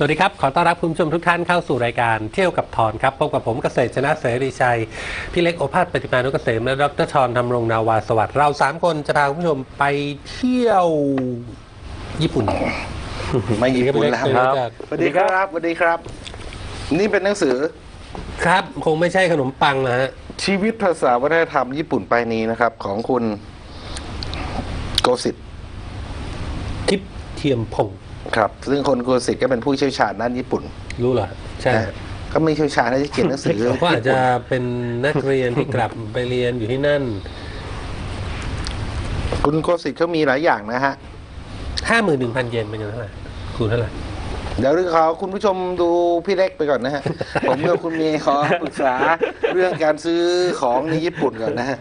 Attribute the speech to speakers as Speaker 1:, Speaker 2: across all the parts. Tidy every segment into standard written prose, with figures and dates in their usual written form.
Speaker 1: วัสดีครับขอต้อนรับคุณผู้ชมทุกท่านเข้าสู่รายการเที่ยวกับทอนครับพบกับผมเกษตรชนะเสรีชัยพี่เล็กโอภาสปฏิมานุกเกษมและดรชรธำรงนาวาสวัสดิ์เรา3คนจะพาคุณผู้ชมไปเที่ยวญี่ปุ่น
Speaker 2: ไม่ญี่ปุ่นแล้วครับสวัสดีครับสวัสดีครับนี่เป็นหนังสือ
Speaker 1: ครับคงไม่ใช่ขนมปังนะฮะ
Speaker 2: ชีวิตภาษาวัฒนธรรมญี่ปุ่นไปนี้นะครับของคุณโกสิทธิ์
Speaker 1: ทิพย์เทียมพงศ์
Speaker 2: ครับซึ่งคนโกสิทธิ์ก็เป็นผู้เชี่ยวชาญด้านญี่ปุ่น
Speaker 1: รู้เหรอใช่
Speaker 2: ก็ไม่เชี่ยวชาญที่เขียนหนังสือ
Speaker 1: ก็อาจจะเป็นนักเรียนที่กลับไปเรียนอยู่ที่นั่น
Speaker 2: คุณโกสิทธิ์เขามีหลายอย่างนะฮะ
Speaker 1: 51,000 เยนเป็นเงินเท่าไหร่คูณเท่าไหร่
Speaker 2: เดี๋ยวขอคุณผู้ชมดูพี่เล็กไปก่อนนะฮะ ผมกับคุณเมย์ขอปรึกษาเรื่องการซื้อของในญี่ปุ่นก่อนนะฮะ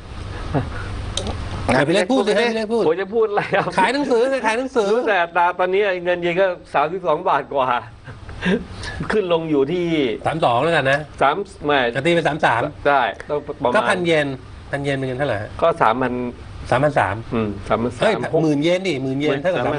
Speaker 1: พี่เล็กพูดสิให้พี่เล็กพูด
Speaker 3: ผมจะพูดอะไรครับ
Speaker 1: ขายหนังสือขายหนังสือ
Speaker 3: แต่ตอนนี้เงินเยนก็32 บาทกว่า ขึ้นลงอยู่ที่
Speaker 1: 32แล้วกันนะ
Speaker 3: 3ไม่
Speaker 1: จะตีไป33
Speaker 3: ได้ต้องประมาณ
Speaker 1: ก็1,000 เยนเป็นเงินเท่าไหร่
Speaker 3: ก็
Speaker 1: 3,300
Speaker 3: 3,300
Speaker 1: เฮ้ย10,000 เยนดิ10,000 เยนเท่ากับ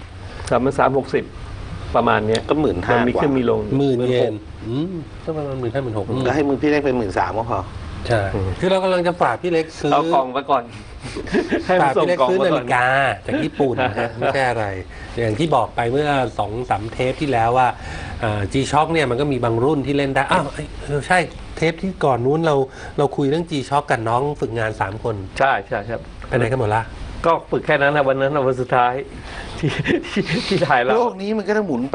Speaker 3: 3,360ประมาณนี้
Speaker 2: ก็15,000
Speaker 3: มันมีขึ้นมีลง
Speaker 1: 10,000 เยนก็ประมาณ15,000
Speaker 2: แล้วให้มือพี่เล็กเป็น13,000ก็พอ
Speaker 1: ใช่คือเรากำลังจะฝากพี่เล็กซื้อ
Speaker 3: เอากล่องมาก่อน
Speaker 1: ฝากพี่เล็กซื้อนาฬิกาจากญี่ปุ่นนะไม่ใช่อะไรอย่างที่บอกไปเมื่อ 2-3 เทปที่แล้วว่าG-Shock เนี่ยมันก็มีบางรุ่นที่เล่นได้อ้าวใช่เทปที่ก่อนนู้นเราคุยเรื่อง G-Shock กันน้องฝึกงาน3 คน
Speaker 3: ใช่ครับ
Speaker 1: ไปไหนกันหมดละ
Speaker 3: ก็ฝึกแค่นั้นนะวันนั้นวันสุดท้ายที่ถ่ายแล้ว
Speaker 2: โลกนี้มันก็ต้องหมุนไป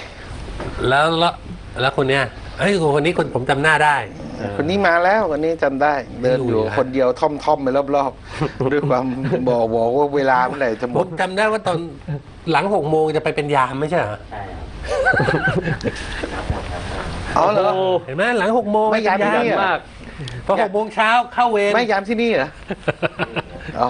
Speaker 1: แล้วคนเนี้ยคนนี้ผมจำหน้าได้
Speaker 2: คนนี้มาแล้ววันนี้จำได้เดินอยู่คนเดียวท่อมไปรอบๆด้วยความบอกว่าเวลาเมื่อไหร่จะหมด
Speaker 1: ผมจำได้ว่าตอนหลัง6 โมงจะไปเป็นยามไม่ใช่เหรอ
Speaker 4: ใช่ครับ
Speaker 2: อ๋อเหรอ
Speaker 1: เห็นไหมหลัง6 โมง
Speaker 2: ไม่ยามที่นี่
Speaker 3: มาก
Speaker 1: พอ6 โมงเช้าเข้าเวร
Speaker 2: ไม่ยามที่นี่เหรออ๋อ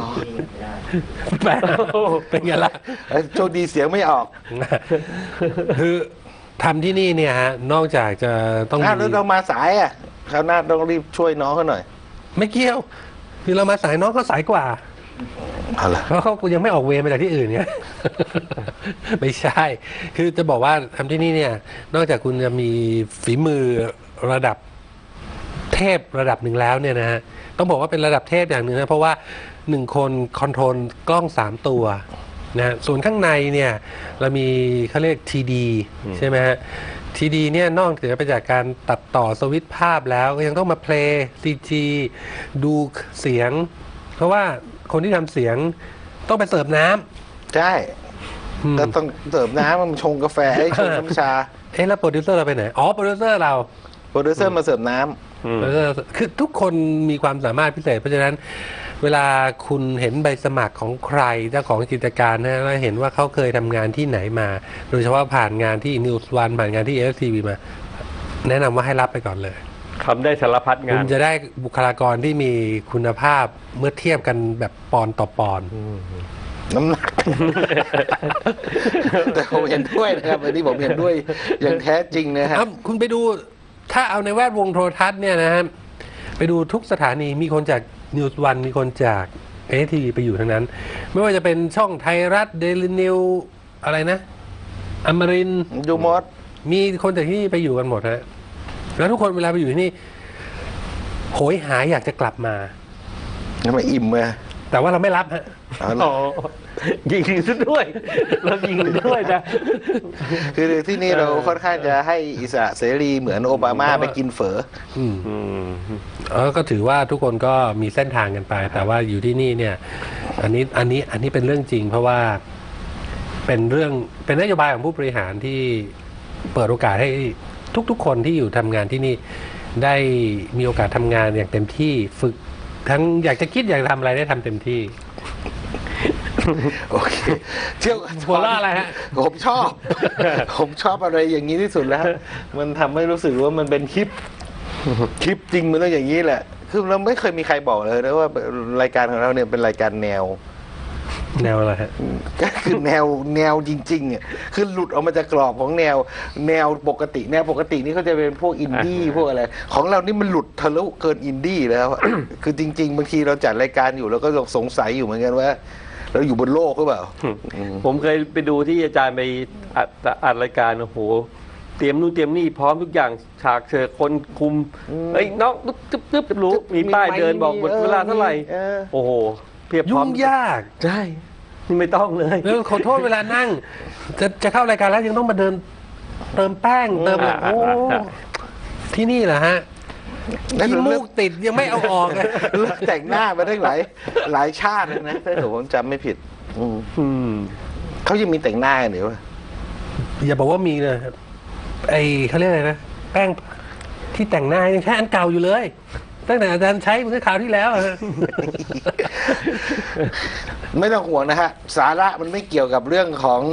Speaker 1: เป็นไงล่ะ
Speaker 2: โชคดีเสียงไม่ออก
Speaker 1: คือทำที่นี่เนี่ยฮะนอกจากจะต้อง
Speaker 2: แล้วเรามาสายอ่ะคราวหน้าต้องรีบช่วยน้องเขาหน่อย
Speaker 1: ไม่เกี่ยวคือเรามาสายน้องเขาสายกว่าเพราะเขายังไม่ออกเวรมาจากที่อื่นเนี่ยไม่ใช่คือจะบอกว่าทำที่นี่เนี่ยนอกจากคุณจะมีฝีมือระดับเทพระดับหนึ่งแล้วเนี่ยนะฮะต้องบอกว่าเป็นระดับเทพอย่างหนึ่งนะเพราะว่า1 คนคอนโทรลกล้อง3 ตัวนะส่วนข้างในเนี่ยเรามีเขาเรียก TD ใช่ไหมฮะ TD เนี่ยนอกจากไปจากการตัดต่อสวิตช์ภาพแล้วก็ยังต้องมาเพลย์ CG ดูเสียงเพราะว่าคนที่ทำเสียงต้องไปเสิร์ฟน้
Speaker 2: ำใช่ก็ต้องเสิร์ฟน้ำมันชงกาแฟให้ชงน้ำชา
Speaker 1: แล้วโปรดิวเซอร์เราไปไหนโปรดิวเซอร์
Speaker 2: มาเสิร์ฟน้
Speaker 1: ำคือทุกคนมีความสามารถพิเศษเพราะฉะนั้นเวลาคุณเห็นใบสมัครของใครเจ้าของกิจการนะแล้วเห็นว่าเขาเคยทำงานที่ไหนมาโดยเฉพาะผ่านงานที่ News One ผ่านงานที่ FTV มาแนะนำว่าให้รับไปก่อนเลย
Speaker 3: ทำได้สารพัดงาน
Speaker 1: คุณจะได้บุคลากรที่มีคุณภาพเมื่อเทียบกันแบบปอนต่อปอน
Speaker 2: น้ำหนักแต่ผมเห็นด้วยนะครับวันนี้ผมเห็นด้วยอย่างแท้จริงนะครับ
Speaker 1: คุณไปดูถ้าเอาในแวดวงโทรทัศน์เนี่ยนะฮะไปดูทุกสถานีมีคนจากNews One มีคนจากFTVไปอยู่ทั้งนั้นไม่ว่าจะเป็นช่องไทยรัฐเดลินิวอะไรนะอมรินทร์
Speaker 2: ยูมอส
Speaker 1: มีคนจากที่นี่ไปอยู่กันหมดฮะแล้วทุกคนเวลาไปอยู่ที่นี่โหยหาอยากจะกลับมา
Speaker 2: ทำไมอิ่มเลย
Speaker 1: แต่ว่าเราไม่รับฮะ
Speaker 3: ยิงซะด้วยเรายิงด้วยนะ
Speaker 2: คือที่นี่เราค่อนข้างจะให้อิสระเสรีเหมือนโอบามาไปกินเฝอ
Speaker 1: ก็ถือว่าทุกคนก็มีเส้นทางกันไปแต่ว่าอยู่ที่นี่เนี่ยอันนี้เป็นเรื่องจริงเพราะว่าเป็นนโยบายของผู้บริหารที่เปิดโอกาสให้ทุกคนที่อยู่ทำงานที่นี่ได้มีโอกาสทำงานอย่างเต็มที่ฝึกทั้งอยากจะคิดอยากทำอะไรได้ทำเต็มที่
Speaker 2: โอเคเที่ยว
Speaker 1: หัวเราะอะไรฮะ
Speaker 2: ผมชอบอะไรอย่างนี้ที่สุดแล้วมันทำให้รู้สึกว่ามันเป็นคลิปจริงมันต้องอย่างนี้แหละคือเราไม่เคยมีใครบอกเลยนะว่ารายการของเราเนี่ยเป็นรายการแนว
Speaker 1: อะไรฮะ
Speaker 2: ก็คือแนวจริงๆอ่ะคือหลุดออกมาจากกรอบของแนวปกตินี่เขาจะเป็นพวกอินดี้พวกอะไรของเรานี่มันหลุดทะลุเกินอินดี้แล้วคือจริงๆบางทีเราจัดรายการอยู่แล้วก็สงสัยอยู่เหมือนกันว่าแล้วอยู่บนโลกหรือเปล่า
Speaker 3: ผมเคยไปดูที่อาจารย์ไปอัดรายการโอ้โหเตรียมนู่นเตรียมนี่พร้อมทุกอย่างฉากเชิญคนคุมเอ้ยน้องตึ๊บรู้มีป้ายเดินบอกหมดเวลาเท่าไหร่โอ้โหเพียบพร้อ
Speaker 1: ยุ่
Speaker 3: ม
Speaker 1: งยาก
Speaker 3: ใช่นี่ไม่ต้องเลย
Speaker 1: แล้วขอโทษเวลานั่ง จะเข้ารายการแล้วยังต้องมาเดินเติมแป้งเติมอะไรโอ้ที่นี่เหรอฮะที่มูกติดยังไม่เอาออกเลย
Speaker 2: เลิกแต่งหน้ามาได้หลายชาติเลยนะถ้าผมจำไม่ผิด เขายังมีแต่งหน้ากันหรือวะ
Speaker 1: อย่าบอกว่ามีเลยครับไอเขาเรียกอะไรนะแป้งที่แต่งหน้ายังใช้อันเก่าอยู่เลยตั้งแต่อาจารย์ใช้เมื่อคราวที่แล้วอะฮะ
Speaker 2: ไม่ต้องห่วงนะฮะ สาระมันไม่เกี่ยวกับเรื่องของ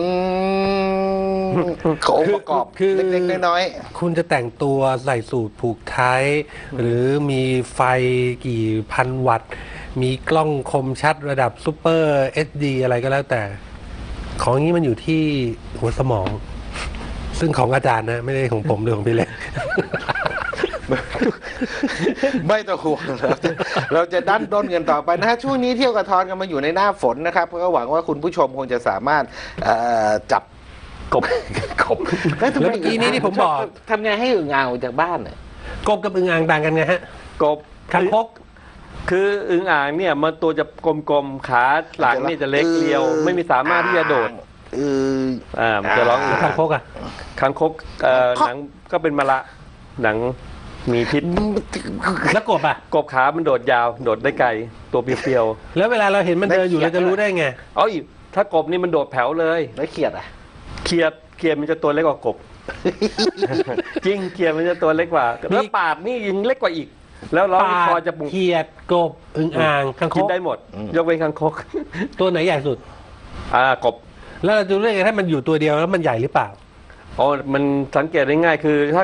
Speaker 2: องค์ประกอบ
Speaker 1: คือ
Speaker 2: เล็กๆน้อย
Speaker 1: คุณจะแต่งตัวใส่สูทผูกไทยหรือมีไฟกี่พันวัตต์ มีกล้องคมชัดระดับซูเปอร์ HD อะไรก็แล้วแต่ ของนี้มันอยู่ที่หัวสมอง ซึ่งของอาจารย์นะ ไม่ได้ของผมหรือของพี่เล็ก
Speaker 2: ๆ ไม่ต้องห่วงเราจะดันด้นกันต่อไปนะฮะช่วงนี้เที่ยวกระทอนกันมาอยู่ในหน้าฝนนะครับก็หวังว่าคุณผู้ชมคงจะสามารถจับกบ
Speaker 1: แล้วเมื่อกี้นี้ที่ผมบอก
Speaker 2: ทำไงให้อึ่งอ่างออกจากบ้านเนี่ย
Speaker 1: กบกับอึ่งอ่างต่างกันไงฮะ
Speaker 3: กบ
Speaker 1: คางคก
Speaker 3: คืออึ่งอ่างเนี่ยมันตัวจะกลมๆขาหลังนี่จะเล็กเรียว ไม่มีสามารถที่จะโดดมันจะร้อง
Speaker 1: คางคกอ่ะ
Speaker 3: คางคกหนังก็เป็นมะละหนังมีพิษ
Speaker 1: แล้วกบอ่ะ
Speaker 3: กบขามันโดดยาวโดดได้ไกลตัวเปรียว
Speaker 1: แล้วเวลาเราเห็นมันเดินอยู่เราจะรู้ได้ไง
Speaker 3: ๆอ๋ออีกถ้ากบนี่มันโดดแผ่วเลย
Speaker 2: แล้วเขียดอ่ะ
Speaker 3: เขียดมันจะตัวเล็กกว่ากบ จริงเขียดมันจะตัวเล็กกว่าแล้วปาดนี่ยิงเล็กกว่าอีก แล้วล้อมีคอจะปุก
Speaker 1: เขียดกบอึ่งอ่างคางค
Speaker 3: กิน
Speaker 1: ก
Speaker 3: ได้หมด ยกเว้นคางคก
Speaker 1: ตัวไหนใหญ่สุด
Speaker 3: กบ
Speaker 1: แล้วเราจะรู้ได้ไงถ้ามันอยู่ตัวเดียวแล้วมันใหญ่หรือเปล่า
Speaker 3: อ๋อมันสังเกตได้ง่ายคือถ้า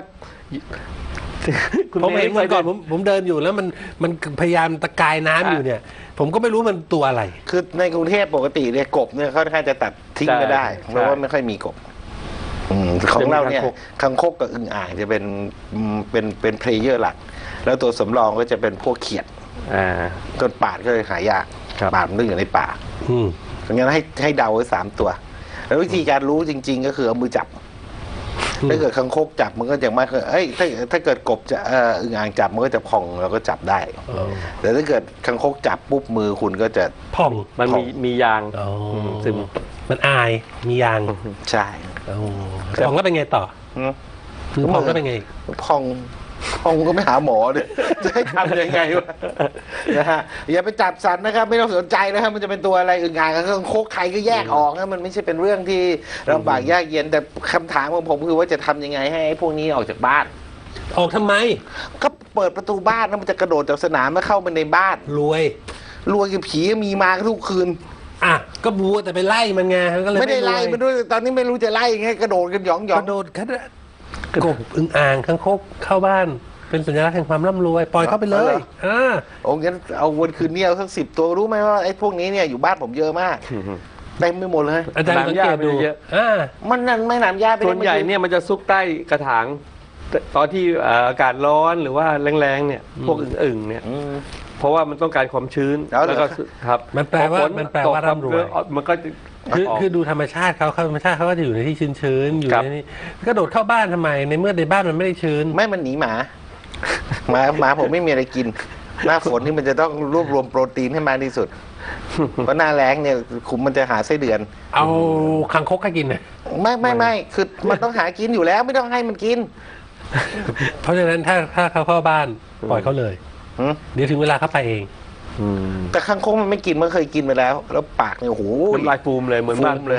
Speaker 1: ผมเห็นเมื่อก่อนผมเดินอยู่แล้วมันพยายามตะกายน้ำอยู่เนี่ย ผมก็ไม่รู้มันตัวอะไร
Speaker 2: คือในกรุงเทพปกติเนี่ยกบเนี่ยค่อนข้างจะตัดทิ้งไม่ได้
Speaker 3: ใช่
Speaker 2: เพราะว่าไม่ค่อยมีกบของเราเนี่ยคังคกกับอึ่งอ่างจะเป็นเพลเยอร์หลัก แล้วตัวสำรองก็จะเป็นพวกเขียดจนป่าดก็เลยหายาก
Speaker 3: ครับ
Speaker 2: ป่าดมันต้องอยู่ในป่า
Speaker 1: อืม
Speaker 2: ดังนั้นให้เดาไว้3 ตัว แล้ววิธีการรู้จริง ๆ ก็คือเอามือจับ ถ้าเกิดคังคกจับมันก็จะไม่เคยถ้าเกิดกบจะอึ่งอ่างจับมันก็จะพองเราก็จับได้ แต่ถ้าเกิดคังคกจับปุ๊บมือคุณก็จะ
Speaker 1: ผ่อง
Speaker 3: มันมียาง
Speaker 1: อ๋อ
Speaker 3: ซึม
Speaker 1: มันอายมียาง
Speaker 2: ใช่
Speaker 1: อ๋อผ่องแล้วเป็นไงต่อ
Speaker 2: อืม
Speaker 1: มือผ่องแล้วเป็นไง
Speaker 2: พองก็ไม่หาหมอเลยจะให้ทำยังไงวะนะฮะอย่าไปจับสัตว์นะครับ ไม่ต้องสนใจนะครับมันจะเป็นตัวอะไรอึ่งอ่างกับคังคกใครก็แยกออกนะมันไม่ใช่เป็นเรื่องที่ลำบากยากเย็นแต่คำถามของผมคือว่าจะทำยังไงให้ไอ้พวกนี้ออกจากบ้าน
Speaker 1: ออกทำไม
Speaker 2: ก็เปิดประตูบ้านแล้วมันจะกระโดดจากสนามมาเข้ามาในบ้าน
Speaker 1: รวย
Speaker 2: รวยกับผีมีมาทุกคืน
Speaker 1: อ่ะ ก็บัวแต่ไปไล่มันไงก็เลย
Speaker 2: ไม่ได้ไล่
Speaker 1: รวย
Speaker 2: มันด้วยตอนนี้ไม่รู้จะไล่ยังไงกระโดดกันหยองหย
Speaker 1: ก
Speaker 2: อง
Speaker 1: ระโดดกบอึ่งอ่างคังคกเข้าบ้าน เป็นสัญลักษณ์แห่งความร่ำรวย ปล่อยเข้าไปเลย
Speaker 2: โอ้งั้นเอาวันคืนนี้เอาสัก10 ตัวรู้ไหมว่าไอ้พวกนี้เนี่ยอยู่บ้านผมเยอะมากเต็มไปหมดเลย
Speaker 1: อาจารย์สังเกตดู
Speaker 3: เยอะ
Speaker 2: มันนั่นไม่หนามหญ้าไป
Speaker 3: ส่วนใหญ่เนี่ยมันจะซุกใต้กระถางตอนที่อากาศร้อนหรือว่าแรงๆเนี่ย พวกอึ่งๆเนี่ย เพราะว่ามันต้องการความชื้นแล้วก็ครับ
Speaker 1: มันแปลว่าร่ำรวย
Speaker 3: มันก็จะ
Speaker 1: คือดูธรรมชาติเขาธรรมชาติเขาก็จะอยู่ในที่ชื้นๆอยู่
Speaker 3: ครับ
Speaker 1: ในนี้กระโดดเข้าบ้านทำไมในเมื่อในบ้านมันไม่ได้ชื้น
Speaker 2: ไม่มันหนีหมาผมไม่มีอะไรกิน หน้าฝนนี่มันจะต้องรวบรวมโปรตีนให้มากที่สุด เพราะหน้าแล้งเนี่ยคุมมันจะหาไส้เดือน
Speaker 1: เอาคังคกให้กินน่ะ
Speaker 2: ไม่คือมันต้องหากินอยู่แล้วไม่ต้องให้มันกิน
Speaker 1: เพราะฉะนั้นถ้าเขาเข้าบ้านปล่อยเขาเลย
Speaker 2: หืม
Speaker 1: เดี๋ยวถึงเวลาเขาไปเอง
Speaker 2: แต่คังคกมันไม่กินมันเคยกินไปแล้ว แล้วปากเนี่ยโอ้โห
Speaker 3: น้ำลายฟูมเลยเหมือนบ้าน
Speaker 2: ฟูมเลย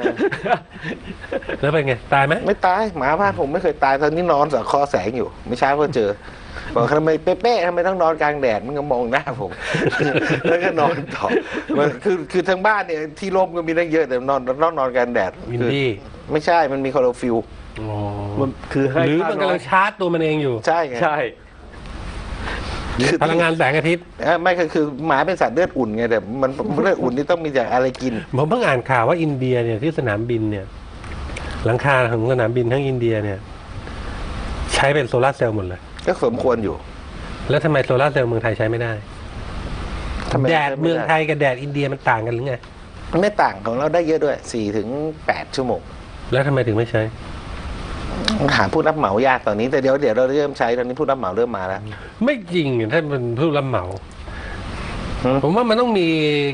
Speaker 1: แล้วเป็นไง ตายไหม
Speaker 2: ไม่ตายหมาบ้านผมไม่เคยตายตอนนี้นอนสังคอแสงอยู่ ไม่ช้าก็เจอบอกทำไมเป๊ะๆทำไมต้องนอนกลางแดดมันก็มองหน้าผม แล้วก็นอนต่อมันคือทั้งบ้านเนี่ยที่ร่มก็มีตั้งเยอะแต่นอนกลางแดด
Speaker 1: วินดี้
Speaker 2: ไม่ใช่มันมีคลอโรฟิล
Speaker 1: อ๋อ
Speaker 3: มันคือให้
Speaker 1: หรือมันกำลังชาร์จตัวมันเองอยู่
Speaker 2: ใช่ไง
Speaker 3: ใช่
Speaker 2: คือ
Speaker 1: พลังงานแสงอาทิตย์
Speaker 2: ไม่คือหมาเป็นสัตว์เลือดอุ่นไงแต่มันเลือดอุ่นนี่ต้องมีจากอะไรกิน
Speaker 1: ผมเพิ่งอ่านข่าวว่าอินเดียเนี่ยที่สนามบินเนี่ย หลังคาของสนามบินทั้งอินเดียเนี่ย ใช้เป็นโซลาร์เซลล์หมดเลย
Speaker 2: ก็สมควรอยู่
Speaker 1: แล้วทำไมโซลาร์เซลล์เมืองไทยใช้ไม่ได้
Speaker 2: ทำไม
Speaker 1: แดดเมืองไทยกับแดดอินเดียมันต่างกันหรือไง
Speaker 2: ไม่ต่างของเราได้เยอะด้วย4 ถึง 8 ชั่วโมง
Speaker 1: แล้วทำไมถึงไม่ใช้
Speaker 2: หาผู้รับเหมายากตอนนี้แต่เดี๋ยวเราเริ่มใช้ตอนนี้ผู้รับเหมาเริ่มมาแล้ว
Speaker 1: ไม่จริงถ้ามันผู้รับเหมา
Speaker 2: หืม
Speaker 1: ผมว่ามันต้องมี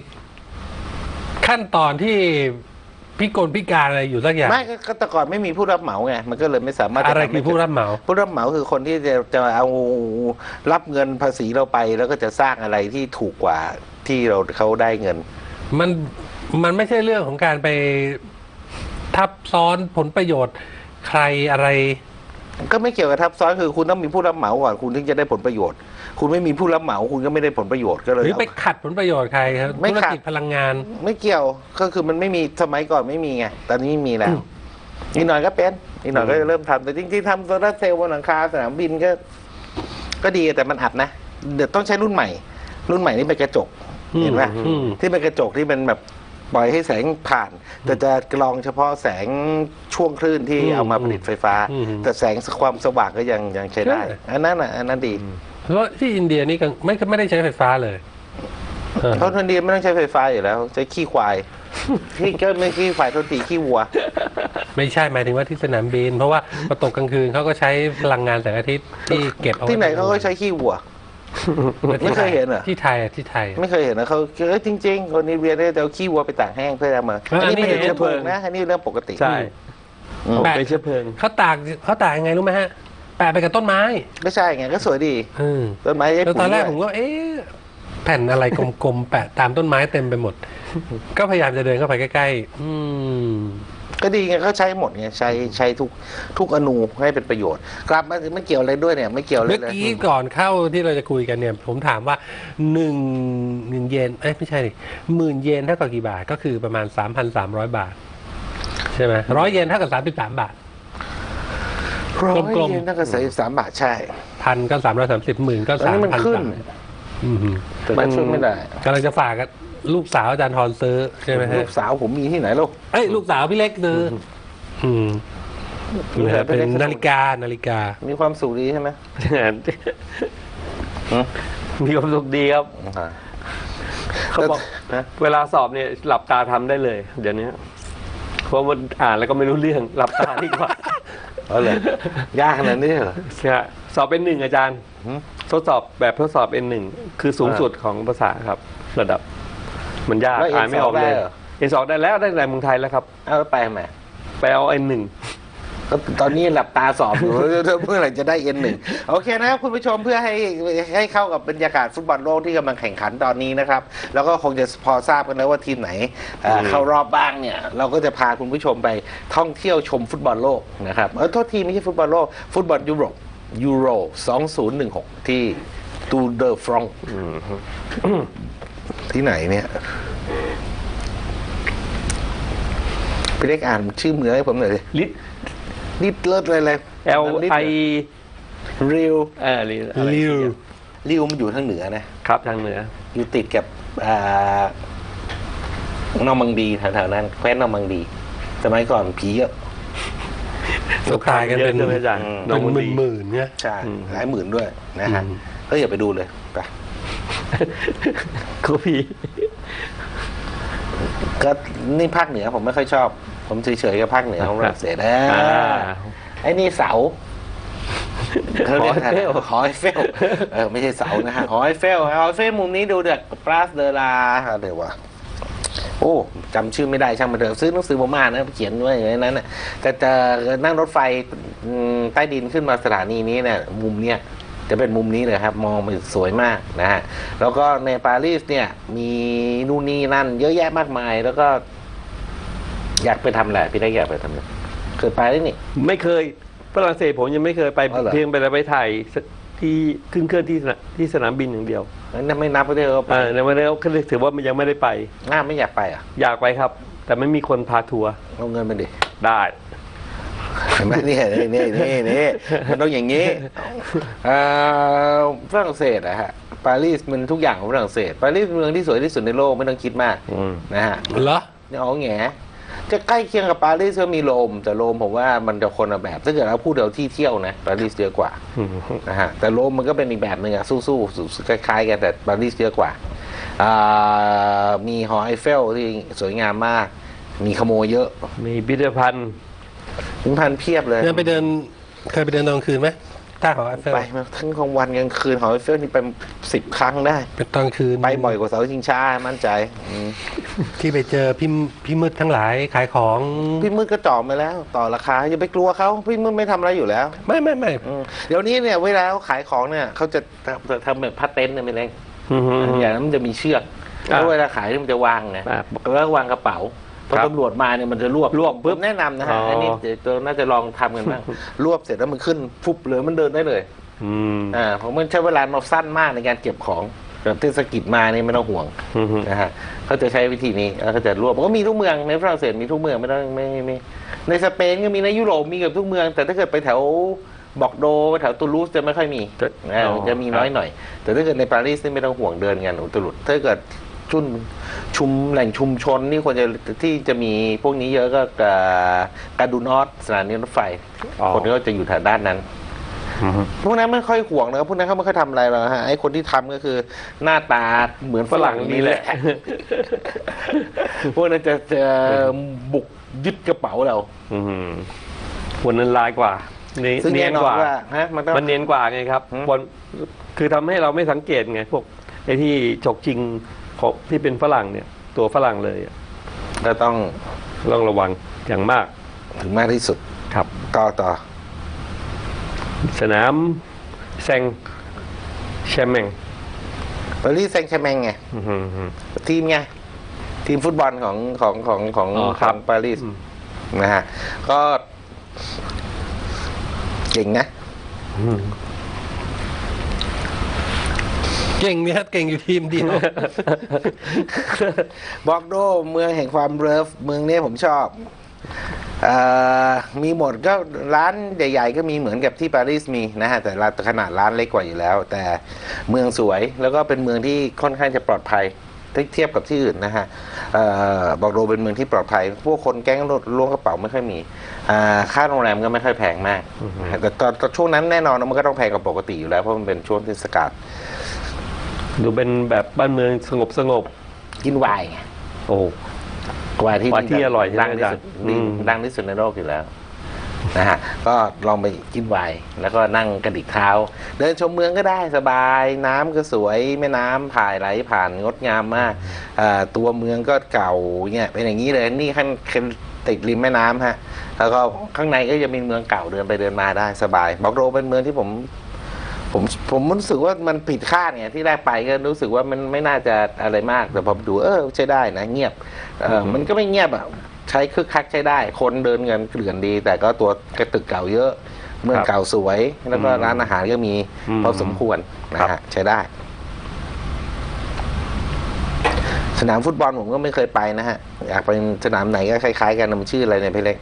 Speaker 1: ขั้นตอนที่พิการอะไรอยู่สักอย่าง
Speaker 2: ไม่ก็แต่ก่อนไม่มีผู้รับเหมาไงมันก็เลยไม่สามารถจ
Speaker 1: อะไร
Speaker 2: ทำ
Speaker 1: คือผู้รับเหมา
Speaker 2: ผู้รับเหมาคือคนที่จะเอารับเงินภาษีเราไป แล้วก็จะสร้างอะไรที่ถูกกว่าที่เขาได้เงิน
Speaker 1: มันไม่ใช่เรื่องของการไปทับซ้อนผลประโยชน์ใครอะไร
Speaker 2: ก็ไม่เกี่ยวกับทับซ้อนคือคุณต้องมีผู้รับเหมาก่อนคุณถึงจะได้ผลประโยชน์ คุณไม่มีผู้รับเหมาคุณก็ไม่ได้ผลประโยชน์ก็เลย
Speaker 1: หรือไปขัดผลประโยชน์ใครครับ
Speaker 2: ไม่
Speaker 1: ธุร
Speaker 2: ขัด
Speaker 1: กิจพลังงาน
Speaker 2: ไม่เกี่ยวก็คือมันไม่มีสมัยก่อนไม่มีไงตอนนี้มีแล้วอีกหน่อยก็เป็นอีกหน่อยก็จะเริ่มทำแต่จริงๆทำโซลาร์เซลล์บนหลังคาสนามบินก็ดีแต่มันอัดนะเดี๋ยวต้องใช้รุ่นใหม่ รุ่นใหม่นี่เป็นกระจกเห็นไหม
Speaker 1: อืม
Speaker 2: ที่เป็นกระจกที่มันแบบปล่อยให้แสงผ่าน แต่จะกรองเฉพาะแสงช่วงคลื่นที่เอามาผลิตไฟฟ้า แต่แสงความสว่างก็ยังใช้ได้ อันนั้นดี
Speaker 1: เพราะที่อินเดียนี่ก็ไม่ได้ใช้ไฟฟ้าเลย
Speaker 2: เพราะทันดีไม่ต้องใช้ไฟฟ้าอยู่แล้วใช้ขี้ควายที่ก็ไม่ขี้ควายโทษทีขี้วัว
Speaker 1: ไม่ใช่หมายถึงว่าที่สนามบิน เพราะว่าพอตกกลางคืนเขาก็ใช้พลังงานแสงอาทิตย์ที่เก็บเอาว้
Speaker 2: ที่ไหนเขาก็ใช้ขี้วัว ไม่เคยเห็นเหรอ
Speaker 1: ที่ไทยอะที่ไทยอะ
Speaker 2: ไม่เคยเห็นนะเขาจริงๆคนอินเดียเนี่ยจะเอาขี้วัวไปตากแห้งเพื่อเอามา
Speaker 1: อันนี้
Speaker 2: ไม่ได้
Speaker 1: เห็น
Speaker 2: เชื้อเพลิงนะอันนี้เรื่องปกติ
Speaker 3: ใช่
Speaker 2: อืม
Speaker 3: เป็นเชื้อเพลิง
Speaker 1: เขาตากยังไงรู้ไหมฮะแปะไปกับต้นไม้
Speaker 2: ไม่ใช่ไงก็สวยดี
Speaker 1: อืม
Speaker 2: ต้นไม้ได้
Speaker 1: แล้ว
Speaker 2: ปุ๋
Speaker 1: ตอนแรก
Speaker 2: ย
Speaker 1: ผมก็แผ่นอะไรกลมๆแปะตามต้นไม้เต็มไปหมด ก็พยายามจะเดินเข้าไปใกล้ๆ
Speaker 2: ก็ดีไงเขาใช้หมดไงใช้ทุกอนูให้เป็นประโยชน์ กลับมาถึงไม่เกี่ยวอะไรด้วยเนี่ยไม่เกี่ยวอะไร
Speaker 1: เมื่อ
Speaker 2: เลย
Speaker 1: กี้ก่อนเข้าที่เราจะคุยกันเนี่ย ผมถามว่า1เยนไม่ใช่ดิ10,000 เยนเท่ากับกี่บาทก็คือประมาณ 3,300 บาท ใช่ไหม100 เยนเท่ากับ33 บาท
Speaker 2: ร้อย
Speaker 1: กลมๆ
Speaker 2: เยนตั้งแต่33 บาทใช่
Speaker 1: พันก็330หมื่นก็
Speaker 2: ตอนนี้มันขึ้น
Speaker 1: 3,300
Speaker 2: แต่มันช่วยไม่ได้
Speaker 1: กำลังจะฝากกับลูกสาวอาจารย์ทรซื้อใช่ไหมฮะ
Speaker 2: ลูกสาวผมมีที่ไหนลูก
Speaker 1: ลูกสาวพี่เล็กซื้อเป็นนาฬิกา
Speaker 2: มีความสุขดีใช่ไหม
Speaker 3: มีความสุขดีครับ เขาบอก
Speaker 2: นะ
Speaker 3: เวลาสอบเนี่ยหลับตาทำได้เลย เดี๋ยวนี้เพราะมันอ่านแล้วก็ไม่รู้เรื่องหลับตาดีกว่า
Speaker 2: เอาเลยยากขนาดนี้เหรอ
Speaker 3: ใช่สอบเป็นหนึ่งอาจารย์
Speaker 2: หืม
Speaker 3: ทดสอบแบบทดสอบเป็นหนึ่งคือสูงสุดของภาษาครับ ระดับ มันยาก
Speaker 2: แล้ว
Speaker 3: อ่านไม่ออกเลย
Speaker 2: N2 ได้เหรอ
Speaker 3: N2 ได้แล้วได้ในเมืองไทยแล้วครับ
Speaker 2: เอาแล้วไปทำไม
Speaker 3: ไปเอา N1
Speaker 2: ก็ตอนนี้หลับตาสอบอยู่ เมื่อไหร่จะได้N1โอเคนะครับคุณผู้ชมเพื่อให้เข้ากับบรรยากาศฟุตบอลโลกที่กำลังแข่งขันตอนนี้นะครับ แล้วก็คงจะพอทราบกันแล้วว่าทีมไหนเข้ารอบบ้างเนี่ย เราก็จะพาคุณผู้ชมไปท่องเที่ยวชมฟุตบอลโลกนะครับโทษทีไม่ใช่ฟุตบอลโลกฟุตบอลยุโรปยูโร2016ที่ตูเดอร์ฟรองที่ไหนเนี่ยพี่เล็กอ่านชื่อเมืองให้ผมหน่อยดิ
Speaker 3: ลิ
Speaker 2: นิดเลิศเลย
Speaker 3: L I
Speaker 2: ริว
Speaker 1: ลิว
Speaker 2: มันอยู่ทางเหนือนะครับ
Speaker 3: ทางเหนือ
Speaker 2: อยู่ติดกับนอร์มังดีแถวๆนั้นแคว้นนอร์มังดีสมัยก่อนผีเยอะ
Speaker 1: ก็ตายกันเป็น
Speaker 3: เยอะใช่ไหมอาจารย์
Speaker 1: เป็น
Speaker 3: อง
Speaker 1: หมื่นๆเนี่ย
Speaker 2: ใช่หลายหมื่นด้วยนะฮะก็อย่าไปดูเลยไป
Speaker 3: กูพี
Speaker 2: ก็นี่ภาคเหนือผมไม่ค่อยชอบ ผมเฉยๆกับภาคเหนือของฝรั่งเศสไอ้นี่เสาเขาเรียกอะไรหอไอเฟลไม่ใช่เสานะฮะหอไอเฟลมุมนี้ดูเด็กปราสเดลาอะไรวะโอ้จำชื่อไม่ได้ช่างมันเถอะซื้อหนังสือผมอ่านนะเขียนไว้อย่างนั้นนะแต่จะนั่งรถไฟใต้ดินขึ้นมาสถานีนี้เนี่ยมุมเนี้ยจะเป็นมุมนี้เลยครับมองมันสวยมากนะฮะแล้วก็ในปารีสเนี่ยมีนู่นนี่นั่นเยอะแยะมากมายแล้วก็อยากไปทำอะไรพี่ได้อยากไปทำอะไรเคยไปได้นี่
Speaker 3: ไม่เคยฝรั่งเศสผมยังไม่เคยไป
Speaker 2: อ๋อเหรอ
Speaker 3: เพียงไปถ่ายที่ขึ้นเครื่องที่สนามบินอย่างเดียว
Speaker 2: นั่นไม่นับไปเลยว่าไป
Speaker 3: ในวันนี้ก็ถือว่ามันยังไม่ได้ไป
Speaker 2: ไม่อยากไปอ่ะ
Speaker 3: อยากไปครับ แต่ไม่มีคนพาทัวร์
Speaker 2: เอาเงินมาดิ
Speaker 3: ได้
Speaker 2: เห็นไหมนี่มันต้องอย่างนี้ฝรั่งเศสอะฮะปารีสมันทุกอย่างของฝรั่งเศสปารีสเป็นเมืองที่สวยที่สุดในโลกไม่ต้องคิดมากนะฮะ
Speaker 1: เหรอ
Speaker 2: เนี่ยเอาแง่จะใกล้เคียงกับปารีสก็มีโรมแต่โรมผมว่ามันจะคนละแบบถ้าเกิดเราพูดเดี๋ยวที่เที่ยวนะปารีสเยอะกว่านะฮะแต่โรมมันก็เป็นอีกแบบหนึ่งอะสู้ๆคล้ายๆกันแต่ปารีสเยอะกว่ามีหอไอเฟลที่สวยงามมาก มีขโมยเยอะ
Speaker 3: มีพิพิธภัณฑ์
Speaker 2: พิพิธภัณฑ์เพียบเลย
Speaker 1: เคยไปเดินตอนกลางคืนไหมถ้าหอไอเฟล
Speaker 2: ไปมาทั้งกลางวันกลางคืนหอไอเฟลนี่ไป10 ครั้งได้
Speaker 1: เป็นตอนกลางคืน
Speaker 2: ไปบ่อยกว่าเสาชิงช้ามั่นใจ
Speaker 1: ที่ไปเจอพี่มืดทั้งหลายขายของ
Speaker 2: พี่มืดก็จ่อมาแล้ว ต่อราคาอย่าไปกลัวเขาพี่มืดไม่ทำอะไรอยู่แล้ว
Speaker 1: ไม่
Speaker 2: เดี๋ยวนี้เนี่ยเวลาเขาขายของเนี่ยเขาจะทำแบบพัดเต็นท์เนี่ยไม่เล็ก
Speaker 3: อือฮึ
Speaker 2: อย่างนั้นมันจะมีเชือกแล้วเวลาขายเนี่ยมันจะวางไง
Speaker 3: อ่า
Speaker 2: แล้ววางกระเป๋าพอ
Speaker 3: ครับ
Speaker 2: ตำรวจมาเนี่ยมันจะรวบ
Speaker 3: ปุ๊บ
Speaker 2: ผมแนะนำนะฮะ
Speaker 3: อ๋ออั
Speaker 2: อันนี้เดี๋ยวน่าจะลองทำกันบ้าง รวบเสร็จแล้วมันขึ้นฟุบเลยมันเดินได้เลย
Speaker 3: อืม
Speaker 2: เพราะมันใช้เวลามาสั้นมากในการเก็บของแบบเทศกิจมานี่ไม่ต้องห่วง
Speaker 3: อือฮึ
Speaker 2: นะฮะเขาจะใช้วิธีนี้แล้วก็จะรวบมันก็มีทุกเมืองในฝรั่งเศสมีทุกเมืองไม่ต้องไม่ในสเปนก็มีในยุโรปมีเกือบทุกเมือง แต่ถ้าเกิดไปแถวบอกโดแถวตูลูสจะไม่ค่อยมีจะมีน้อยหน่อย แต่ถ้าเกิดในปารีสนี่ไม่ต้องห่วงเดินกันอุตลุดถ้าเกิดแหล่งชุมชนนี่ควรจะที่จะมีพวกนี้เยอะก็กาดูนอสสถานีรถไฟ คนก็จะอยู่แถวด้านนั้น
Speaker 3: อือฮึ
Speaker 2: พวกนั้นไม่ค่อยห่วงนะครับพวกนั้นเขาไม่ค่อยทำอะไรหรอกฮะไอ้คนที่ทำก็คือหน้าตาเหมือนฝรั่งนี่แหละ พวกนั้นจะบุกยึดกระเป๋าเรา
Speaker 3: อืมวันนั้นลายกว่า
Speaker 2: ซึ่ง
Speaker 3: เนี
Speaker 2: แน่
Speaker 3: ยน
Speaker 2: นอน
Speaker 3: กว่า
Speaker 2: ว่าฮะมันต้อง
Speaker 3: มันเนียนกว่าไงครับ
Speaker 2: อืม
Speaker 3: บอลคือทำให้เราไม่สังเกตไงพวกไอ้ที่ฉกชิงของที่เป็นฝรั่งเนี่ย ตัวฝรั่งเลยอะ
Speaker 2: ก็ต้อง
Speaker 3: ต้องระวังอย่างมาก
Speaker 2: ถึงมากที่สุด
Speaker 3: ครับ
Speaker 2: ต่อ
Speaker 3: สนามแซงแชมเมง
Speaker 2: ปารีสแซงต์แชร์แมงไง
Speaker 3: อือฮึอืม
Speaker 2: ทีมไงทีมฟุตบอลของ
Speaker 3: อ๋อครับ
Speaker 2: ปารีสนะฮะก็เก่งนะ
Speaker 3: อืม
Speaker 1: เก่งเนี่ยเก่งอยู่ทีมเดียว
Speaker 2: บอกโดเมืองแห่งความเลิฟเมืองนี้ผมชอบมีหมดก็ร้านใหญ่ๆก็มีเหมือนกับที่ปารีสมีนะฮะแต่ขนาดร้านเล็กกว่าอยู่แล้ว แต่เมืองสวยแล้วก็เป็นเมืองที่ค่อนข้างจะปลอดภัยถ้าเทียบกับที่อื่นนะฮะบอกโดเป็นเมืองที่ปลอดภัยพวกคนแก๊งล้วงกระเป๋าไม่ค่อยมีค่าโรงแรมก็ไม่ค่อยแพงมากแต่ตอนช่วงนั้นแน่นอนมันก็ต้องแพงกว่าปกติอยู่แล้วเพราะมันเป็นช่วงเทศกาล
Speaker 3: ดูเป็นแบบบ้านเมืองสงบ
Speaker 2: กินไวน์ไง
Speaker 3: โอ้
Speaker 2: ไวน์ที่
Speaker 3: ไวน์ที่อร่อยใช่ไหม
Speaker 2: ดังที่สุด
Speaker 3: อาจารย์อืม
Speaker 2: ดังที่สุดในโลกอยู่แล้วนะฮะก็ลองไปกินไวน์แล้วก็นั่งกระดิกเท้า เดินชมเมืองก็ได้สบายน้ำก็สวยแม่น้ำผ่ายไหลผ่านงดงามมากตัวเมืองก็เก่าเนี่ยเป็นอย่างนี้เลยนี่ขั้นติดริมแม่น้ำฮะแล้วก็ข้างในก็จะมีเมืองเก่าเดินไปเดินมาได้สบายบอกโรเป็นเมืองที่ผมรู้สึกว่ามันผิดคาดเนี่ยที่แรกไปก็รู้สึกว่ามันไม่น่าจะอะไรมากแต่พอดูใช้ได้นะเงียบมันก็ไม่เงียบอ่ะใช้คึกคักใช้ได้ คนเดินเงินเกลื่อนดี แต่ก็ตัวกระตึกเก่าเยอะ เมืองเก่าสวย แล้วก็ร้านอาหารก็มีพอสมควรนะฮะใช้ได้ สนามฟุตบอลผมก็ไม่เคยไปนะฮะอยากไปสนามไหนก็คล้ายๆกันมันชื่ออะไรเนี่ยพี่เล็ก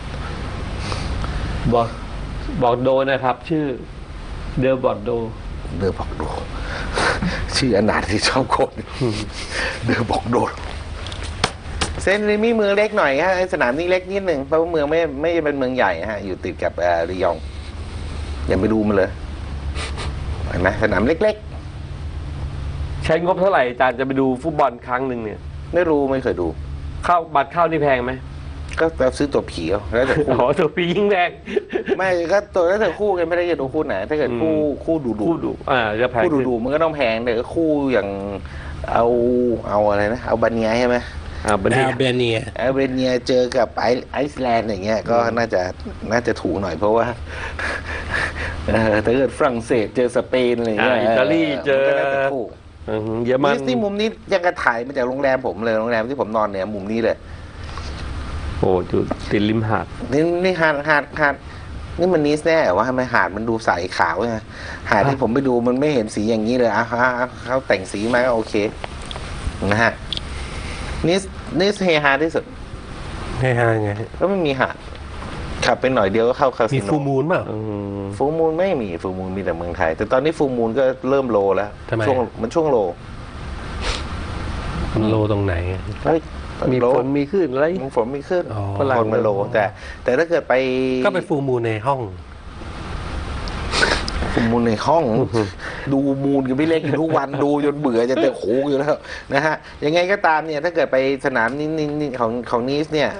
Speaker 3: บอกโดนะครับ ชื่อเดอบอร์โด
Speaker 2: เดอบอกโด ชื่ออนาถที่ชอบคนเดอบอกโดเซนต์เรมี่เมืองเล็กหน่อยฮะสนามนี้เล็กนิดหนึ่งเพราะว่าเมืองไม่เป็นเมืองใหญ่ฮะอยู่ติดกับรียองอย่าไปดูมันเลยเห็นไหมสนามเล็ก
Speaker 3: ใช้งบเท่าไหร่อาจารย์จะไปดูฟุตบอลครั้งหนึ่งเนี่ย
Speaker 2: ๆไม่รู้ไม่เคยดู
Speaker 3: บัตรเข้านี่แพงไหม
Speaker 2: ก็แบบซื้อตั๋วผีเอาแล้วแต่คู่
Speaker 3: อ๋อตัวปียิ่งแพง
Speaker 2: ไม่ก็ตัวแล้วแต่คู่กันไม่ได้จะดูคู่ไหนถ้าเกิดคู่ดู
Speaker 3: คู่ดูจะแพง
Speaker 2: คู่ดูมันก็ต้องแพงแต่ก็คู่อย่างเอาอะไรนะเอาบาเนียใช่ไหม
Speaker 3: บัน
Speaker 1: แอ
Speaker 3: ที
Speaker 1: ลเบเนีย
Speaker 2: แอลเบเนียเจอกับไอซ์แลนด์อย่างเงี้ยก็น่าจะถูกหน่อยเพราะว่าถ้าเกิดฝรั่งเศสเจอสเปนอะไรอย่างเงี้ย
Speaker 3: อิตาลีเจอ
Speaker 2: มันก็น่าจะถูก
Speaker 3: เยอรมัน
Speaker 2: นี่มุมนี้ยังกระถ่ายมาจากโรงแรมผมเลยโรงแรมที่ผมนอนเนี่ยมุมนี้เลย
Speaker 3: โอ้จุดติดริมหาด
Speaker 2: นี่หาดนี่มันนิสแน่ว่าทำไมหาดมันดูใสขาวไงหาดที่ผมไปดูมันไม่เห็นสีอย่างนี้เลยเขาแต่งสีมาก็โอเคนะฮะนิสเฮฮาที่สุด
Speaker 1: ให้ฮาไง
Speaker 2: ก็ไม่มีหาดขับไปหน่อยเดียวก็เข้าคา
Speaker 1: มี
Speaker 2: สิโน
Speaker 1: ฟูมูลเปล่า
Speaker 2: ฟูมูลไม่มีฟูมูลมีแต่เมืองไทย แต่ตอนนี้ฟูมูลก็เริ่มโลแล้ว
Speaker 1: ทำไม
Speaker 2: ช่วงโล
Speaker 1: มันโลตรงไหน
Speaker 2: เฮ้ย
Speaker 3: มี
Speaker 2: โล
Speaker 3: ฝนมีคลื่นอะไร
Speaker 2: ฝนไม่ขึ้น
Speaker 1: อ๋อ
Speaker 2: ฝนมันโลแต่ถ้าเกิดไป
Speaker 1: ก็ไปฟูมูลในห้อง
Speaker 2: มูลในห้อง ดูมูลกับพี่เล็กอยู่ทุกวัน ดูจนเบื่อจะเตะโขงอยู่แล้วนะฮะยังไงก็ตามเนี่ยถ้าเกิดไปสนามนี้ของนีสเนี่ย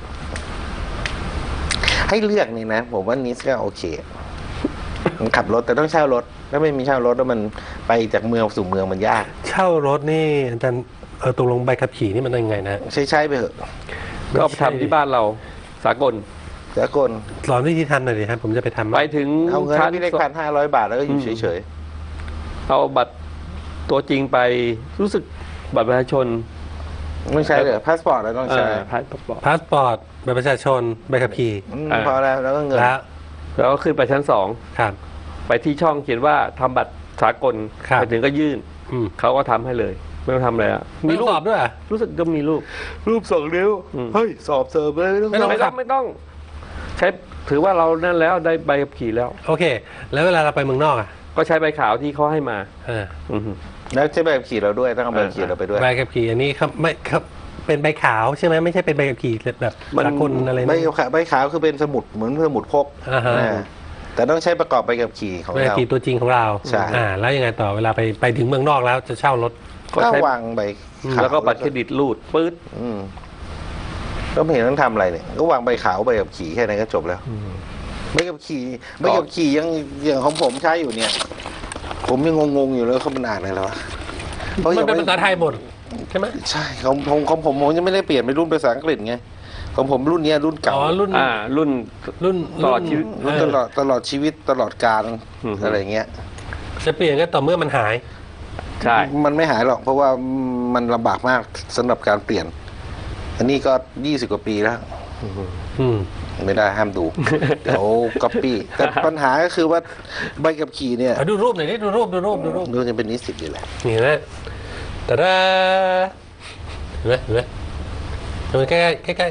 Speaker 2: ให้เลือกนี่นะผมว่านีสก็โอเคขับรถแต่ต้องเช่ารถถ้าไม่มีเช่ารถแล้วมันไปจากเมืองสู่เมืองมันยาก
Speaker 1: เช่ารถนี่อาจารย์ตกลงใบขับขี่นี่มันยังไงนะ
Speaker 2: ใช้ไปเถอะ
Speaker 3: ก็เอาไปทำที่บ้านเราสากล
Speaker 2: สากล
Speaker 1: สอนวิธีทำหน่อยดิครับผมจะไปทำ
Speaker 3: ไปถึง
Speaker 2: เอาเงิน
Speaker 3: ชั้
Speaker 2: ให้พี่เล็ก1,500 บาทแล้วก็อยู่เฉย
Speaker 3: เอาบัตรตัวจริงไปรู้สึกบัตรประชาชน
Speaker 2: ๆไม่ใช่เลยพาสปอร์ตเราต้องใช้
Speaker 3: พาสปอร์ต
Speaker 1: พาสปอร์ตใบประชาชนใบขับขี่
Speaker 2: พอแล้วก็เงิน
Speaker 1: แล้ว
Speaker 3: แล้วก็ขึ้นไปชั้นสอง
Speaker 1: ครับ
Speaker 3: ไปที่ช่องเขียนว่าทำบัตรสากล
Speaker 1: ครับ
Speaker 3: ไปถึงก็ยื่น
Speaker 1: อืม
Speaker 3: เขาก็ทำให้เลย ไม่ต้องทำอะไรอ่ะ
Speaker 1: มีรูปสอบด้วยเหรอ
Speaker 3: รู้สึกก็มีรูป
Speaker 2: รูป2 นิ้ว เฮ้ย สอบเสิร์ฟเลยไม่ต้อง
Speaker 1: ไม่ต้อง
Speaker 3: ไม่ต้องใช้ถือว่าเรานั่นแล้วได้ใบขับขี่แล้ว
Speaker 1: โอเค แล้วเวลาเราไปเมืองนอกอ่ะ
Speaker 3: ก็ใช้ใบขาวที่เขาให้มา
Speaker 1: อ่า
Speaker 3: อือฮึ
Speaker 2: แล้วใช้ใบขับขี่เราด้วยต้องเอาใบขับขี่เราไปด้วย
Speaker 1: ใบขับขี่อันนี้ครับไม่ครับเป็นใบขาวใช่ไหมไม่ใช่เป็นใบขับขี่แบบสากลอะไร
Speaker 2: ใบ
Speaker 1: นะ
Speaker 2: ขาวใบขาวคือเป็นสมุดเหมือนสมุดพก
Speaker 1: อ่าฮะ
Speaker 2: แต่ต้องใช้ประกอบใบขับขี่ของ
Speaker 1: ใบขับ
Speaker 2: เรา
Speaker 1: ขี่ตัวจริงของเรา
Speaker 2: ใช่
Speaker 1: แล้วยังไงต่อเวลาไปถึงเมืองนอกแล้วจะเช่ารถ
Speaker 3: ก็
Speaker 2: ก็
Speaker 3: ใช้
Speaker 2: วางใบขาว
Speaker 3: แล้วก็บัตรเครดิตรูดปื๊ด
Speaker 2: อืมก็ไม่เห็นต้องทำอะไรเนี่ยก็วางใบขาวใบขับขี่แค่นั้นก็จบแล้วใบขับขี่ยังอย่างของผมใช้อยู่เนี่ย ผมยังงงๆอยู่เลยเขามันอ่านอะไรแล้ววะเพราะ
Speaker 1: มัน
Speaker 2: ยัง
Speaker 1: เป็น
Speaker 2: ไม่
Speaker 1: ภาษาไทยหมดใช่ไหม
Speaker 2: ใช่ของผมยังไม่ได้เปลี่ยนเป็นรุ่นภาษาอังกฤษไงของผมรุ่นเนี้ยรุ่นเก่า
Speaker 1: อ๋อรุ่น
Speaker 3: รุ่น ตลอดชีวิต
Speaker 2: รุ่นตลอดชีวิตตลอดกาล
Speaker 3: อืม
Speaker 2: อะไรเงี้ย
Speaker 1: จะเปลี่ยนก็ต่อเมื่อมันหาย
Speaker 3: ใช่
Speaker 2: มันไม่หายหรอกเพราะว่ามันลำบากมากสำหรับการเปลี่ยน อันนี้ก็20 กว่าปีแล้ว
Speaker 1: อืม
Speaker 2: ไม่ได้ห้ามดู เดี๋ยวก๊อปปี้แต่ปัญหาก็คือว่าใบขับขี่เนี่ย
Speaker 1: ดูรูปหน่อยดิดูรูป
Speaker 2: ดูจะเป็นนิสิตอยู่แหละ
Speaker 1: นี่นะแต่ละเห็นไหมมันใกล้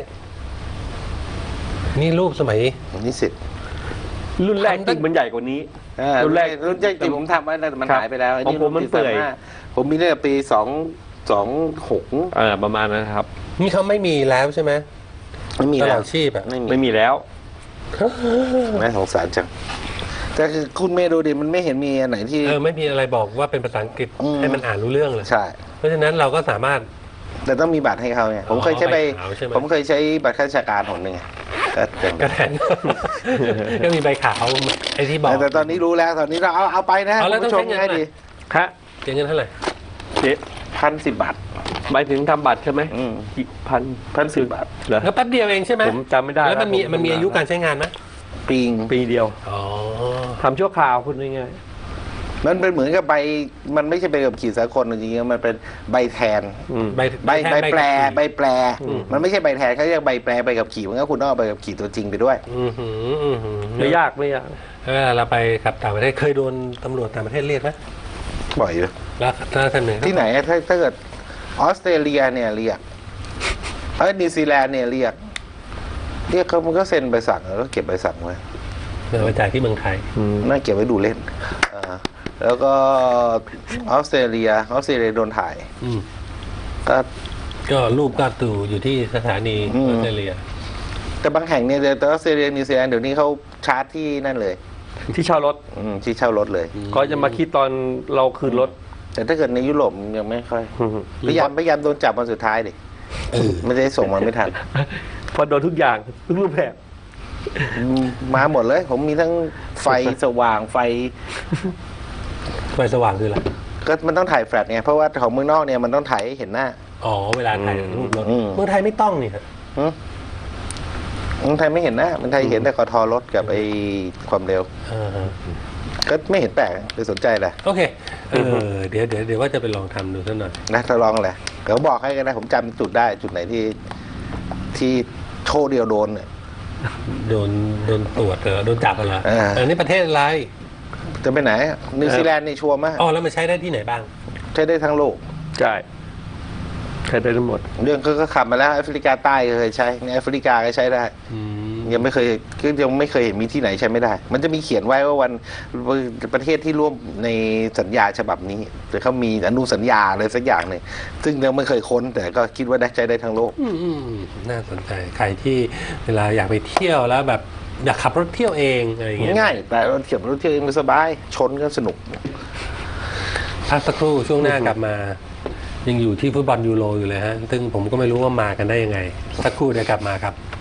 Speaker 1: นี่รูปสมัย
Speaker 2: นิสิต
Speaker 3: รุ่นแรกจริงมันใหญ่กว่านี้ รุ่นแรก
Speaker 2: รุ่นแรกจริงผมทำไว้แต่มัน
Speaker 3: ครับ
Speaker 2: หายไปแล้ว
Speaker 3: ของผมมันเปื่อย
Speaker 2: ผมมีตั้งแต่ปี226
Speaker 3: ประมาณนั้นครับ
Speaker 1: นี่เขาไม่มีแล้วใช่ไหม
Speaker 2: ไม่มี
Speaker 1: ตล
Speaker 2: แล้
Speaker 1: อ
Speaker 2: ว
Speaker 1: ดชีพอ่ะ
Speaker 3: ไม่มีแล้ว
Speaker 2: น่าสงสารจังแต่คือคุณเมย์ดูดิมันไม่เห็นมีอันไหนที่
Speaker 1: ไม่มีอะไรบอกว่าเป็นภาษาอังกฤษ
Speaker 2: อืม
Speaker 1: ให้มันอ่านรู้เรื่องเลย
Speaker 2: ใช่
Speaker 1: เพราะฉะนั้นเราก็สามารถ
Speaker 2: แต่ต้องมีบัตรให้เขาไงผมเคยใช้
Speaker 1: ใบขาวใช่ไหม
Speaker 2: ผมเคยใช้บัตรข้าราชการหนหนึ่งไงก็เป็น
Speaker 1: กระแทน ก็มีใบขาวไอ้ที่บอก
Speaker 2: แต่ตอนนี้รู้แล้วตอนนี้เราเอาไปนะ
Speaker 1: เอาแล้ว
Speaker 2: คุณผู้ชม
Speaker 1: ต้องใช้เงิน
Speaker 2: ง่ายดี
Speaker 3: ครับ
Speaker 1: เสียเงินเท่าไหร่
Speaker 3: เจ๊
Speaker 2: 1,010 บาท
Speaker 3: หมายถึงทำบัตรใช่ไหม
Speaker 2: อืม
Speaker 3: กี่พัน
Speaker 2: 1,010 บาท
Speaker 3: เหรอ
Speaker 1: ก็แป๊บเดียวเองใช่ไหม
Speaker 3: ผมจำไม่ได้
Speaker 1: แล้วมันมี
Speaker 3: ผ
Speaker 1: มันมีอายุการใช้งานไหม
Speaker 2: ปิง
Speaker 3: ปีเดียว
Speaker 1: อ๋อ
Speaker 3: ทำชั่วคราวคุณง่าย
Speaker 2: มันเป็นเหมือนกับใบมันไม่ใช่ใบขับขี่สากลจริงๆมันเป็นใบแทน
Speaker 3: ๆอืม
Speaker 1: ใบ
Speaker 2: ใบแปลใบแปล
Speaker 1: อืม
Speaker 2: มันไม่ใช่ใบแทนเขาเรียกใบแปลใบขับขี่มันก็คุณต้องเอาใบขับขี่ตัวจริงไปด้วย
Speaker 1: อือหือ
Speaker 3: ไม่ยากไม่ยาก
Speaker 1: เวลาเราไปขับต่างประเทศเคยโดนตำรวจต่างประเทศเรียกไหม
Speaker 2: บ่อยอยู่
Speaker 1: แล้วท่านหนึ่ง
Speaker 2: ที่ไหนอะถ้าเกิดออสเตรเลียเนี่ยเรียกนิวซีแลนด์เนี่ยเรียกเขามันก็เซ็นใบสั่งแล้วก็เก็บใบสั่งไว้
Speaker 1: เดี๋ยวไปจ่ายที่เมืองไทย
Speaker 2: น่าเก็บไว้ดูเล่นแล้วก็ออสเตรเลียโดนถ่าย
Speaker 1: อืม
Speaker 2: ก็
Speaker 1: ก็รูปก็ตู่อยู่ที่สถานี
Speaker 2: อื
Speaker 1: อ
Speaker 2: ม
Speaker 1: อสเตรเลีย
Speaker 2: แต่บางแห่งเนี่ยแต่ออสเตรเลียนิวซีแลนด์เดี๋ยวนี้เขาชาร์จที่นั่นเลย
Speaker 3: ที่เช่ารถ
Speaker 2: ที่เช่ารถเลย
Speaker 3: ก็จะมาคิดตอนเราคืนรถ
Speaker 2: แต่ถ้าเกิดในยุโรปยังไม่ค่อยพยายามโดนจับวันสุดท้ายดิไม่ได้ส่งมาไม่ทัน
Speaker 3: พอโดนทุกอย่างทุกรูปแบบ
Speaker 2: มาหมดเลย ผมมีทั้งไฟสว่างไฟ
Speaker 1: ไฟสว่างคืออะไร
Speaker 2: ก็มันต้องถ่ายแฟลชไงเพราะว่าของเมืองนอกเนี่ยมันต้องถ่ายให้เห็นหน้า
Speaker 1: อ๋อเวลาถ่ายรูปรถ
Speaker 2: อืม
Speaker 1: เมืองไทยไม่ต้องนี่ครับ
Speaker 2: เมืองไทยไม่เห็นหน้าเมืองไทยเห็นแต่กทรถกับไอ้ความเร็ว
Speaker 1: อ่าฮะ
Speaker 2: ก็ไม่เห็นแปลกเลยสนใจแหละ
Speaker 1: โอเคเดี๋ยวว่าจะไปลองทำดูสักหน่อย
Speaker 2: นะทดลองแหละเดี๋ยวบอกให้กันนะผมจำจุดได้จุดไหนที่โชว์เดียวโดนเนี่ย
Speaker 1: โดนตรวจเหรอโดนจับเหรอ
Speaker 2: อ่า
Speaker 1: อันนี้ประเทศอะไร
Speaker 2: จะไปไหนนิวซีแลนด์นี่ชัวร์มาก
Speaker 1: อ๋อแล้วมันใช้ได้ที่ไหนบ้าง
Speaker 2: ใช้ได้ทั้งโลก
Speaker 3: ใช่ใช้ได้ทั้งหมด
Speaker 2: เรื่องก็ขับมาแล้วแอฟริกาใต้ก็เคยใช้ในแอฟริกาก็ใช้ได้
Speaker 1: อืม
Speaker 2: ยังไม่เคยเห็นมีที่ไหนใช้ไม่ได้ มันจะมีเขียนไว้ว่าวันประเทศที่ร่วมในสัญญาฉบับนี้หรือเขามีอนุสัญญาอะไรสักอย่างหนึ่งซึ่งยังไม่เคยค้นแต่ก็คิดว่าได้ใช้ได้ทั้งโลก
Speaker 1: น่าสนใจใครที่เวลาอยากไปเที่ยวแล้วแบบอยากขับรถเที่ยวเองอะไรอย่างเงี้ย
Speaker 2: ง่ายแต่รถเที่ยวเองมันสบายชนก็สนุก
Speaker 1: พักสักครู่ช่วงหน้ากลับมา ยังอยู่ที่ฟุตบอลยูโรอยู่เลยฮะซึ่งผมก็ไม่รู้ว่ามากันได้ยังไงสักครู่เดี๋ยวกลับมาครับ